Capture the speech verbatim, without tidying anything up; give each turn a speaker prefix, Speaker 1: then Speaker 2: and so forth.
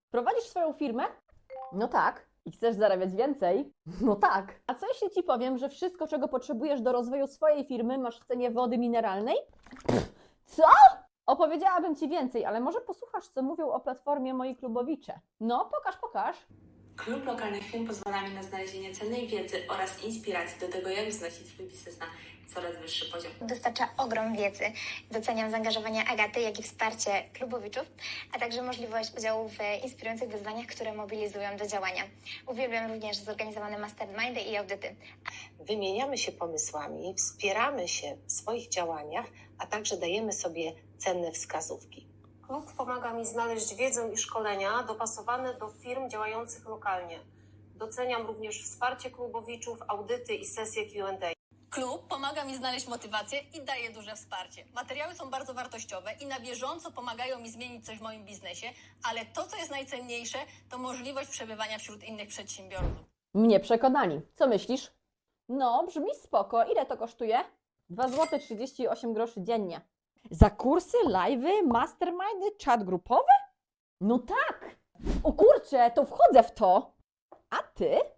Speaker 1: Prowadzisz swoją firmę? No tak. I chcesz zarabiać więcej? No tak. A co jeśli Ci powiem, że wszystko, czego potrzebujesz do rozwoju swojej firmy, masz w cenie wody mineralnej? Co? Opowiedziałabym Ci więcej, ale może posłuchasz, co mówią o platformie moi klubowicze. No, pokaż, pokaż.
Speaker 2: Klub lokalnych firm pozwala mi na znalezienie cennej wiedzy oraz inspiracji do tego, jak wznosić swój biznes na coraz wyższy poziom.
Speaker 3: Dostarcza ogrom wiedzy. Doceniam zaangażowanie Agaty, jak i wsparcie klubowiczów, a także możliwość udziału w inspirujących wyzwaniach, które mobilizują do działania. Uwielbiam również zorganizowane mastermindy i audyty.
Speaker 4: Wymieniamy się pomysłami, wspieramy się w swoich działaniach, a także dajemy sobie cenne wskazówki.
Speaker 5: Klub pomaga mi znaleźć wiedzę i szkolenia dopasowane do firm działających lokalnie. Doceniam również wsparcie klubowiczów, audyty i sesje Q and A.
Speaker 6: Klub pomaga mi znaleźć motywację i daje duże wsparcie. Materiały są bardzo wartościowe i na bieżąco pomagają mi zmienić coś w moim biznesie, ale to, co jest najcenniejsze, to możliwość przebywania wśród innych przedsiębiorców.
Speaker 1: Mnie przekonani. Co myślisz? No, brzmi spoko. Ile to kosztuje? dwa złote trzydzieści osiem groszy dziennie. Za kursy, live'y, mastermindy, czat grupowy? No tak! O kurczę, to wchodzę w to! A Ty?